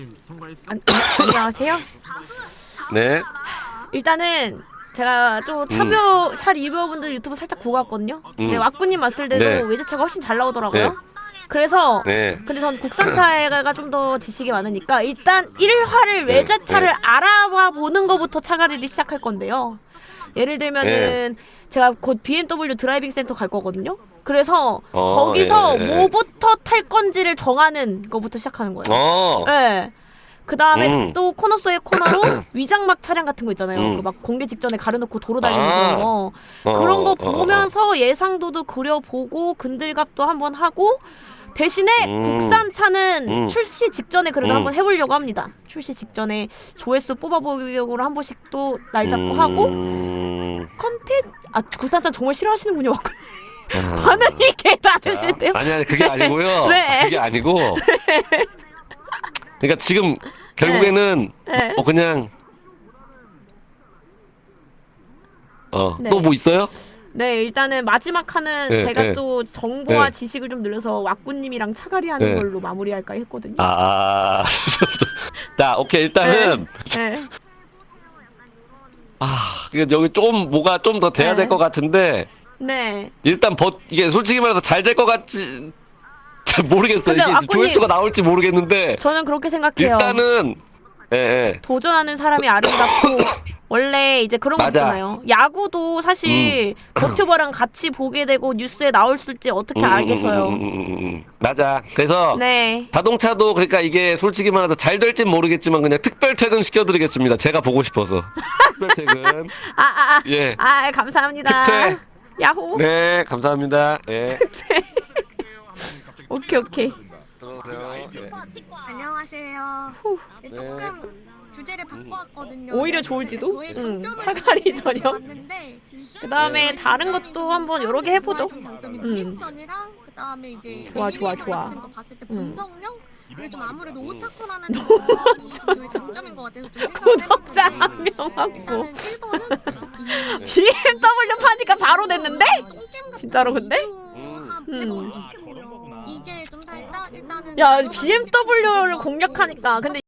안녕하세요. 네. 일단은 제가 좀 차 리뷰어분들 유튜브 살짝 보고 왔거든요. 근데 왁구님 왔을 때도 네. 외제차가 훨씬 잘 나오더라고요. 네. 그래서 네. 근데 전 국산차가 좀 더 지식이 많으니까 일단 1화를 외제차를 알아봐 보는 거부터 차가리를 시작할 건데요. 예를 들면은 제가 곧 BMW 드라이빙 센터 갈 거거든요. 그래서 거기서 뭐부터 탈 건지를 정하는 거부터 시작하는 거예요. 네. 그 다음에 또 코너 속의 코너로 위장막 차량 같은 거 있잖아요. 그 막 공개 직전에 가려놓고 도로 달리는 그런 거. 그런 거 보면서 예상도도 그려보고 근들갑도 한번 하고 대신에 국산차는 출시 직전에 그래도 한번 해보려고 합니다. 출시 직전에 조회수 뽑아보려고 한 번씩 또 날 잡고 하고 컨텐츠 국산차 정말 싫어하시는군요. 반응이 개다르신데요. 아니 그게 아니고요. 네. 그게 아니고. 그러니까 지금 결국에는 그냥 또 뭐 있어요? 네, 일단은 마지막 칸은 제가 또 정보와 지식을 좀 늘려서 왁구님이랑 차가리 하는 걸로 마무리할까 했거든요. 자, 오케이. 일단은 여기 좀 뭐가 좀 더 돼야 될 것 같은데 일단 이게 솔직히 말해서 잘 될 것 같지 잘 모르겠어요. 이게 조회수가 나올지 모르겠는데 저는 그렇게 생각해요. 일단은 도전하는 사람이 아름답고 원래 이제 그런 거 있잖아요. 야구도 사실 버튜버랑 같이 보게 되고 뉴스에 나올지 어떻게 알겠어요. 맞아. 그래서 자동차도 그러니까 이게 솔직히 말해서 잘 될진 모르겠지만 그냥 특별 퇴근 시켜드리겠습니다. 제가 보고 싶어서 특별 퇴근. 감사합니다. 특퇴. 야호. 네, 감사합니다. 오케이. 안녕하세요. 조금 주제를 바꿔왔거든요. 오히려 좋을지도? 차가리 전혀. 그 다음에 다른 것도 한번 여러 개 해보죠. 리액션이랑 그 다음에 이제 좋아. 같은 거 봤을 때 분석력 그게 좀 아무래도 오타쿠라는 거 되게 장점인 것 같아서 좀 구독자 생각을 한 명 하고 일단은 1번은 BMW 파니까 바로 됐는데? 진짜로 근데? 이게 좀 살짝 일단은 야 BMW를 공략하니까 근데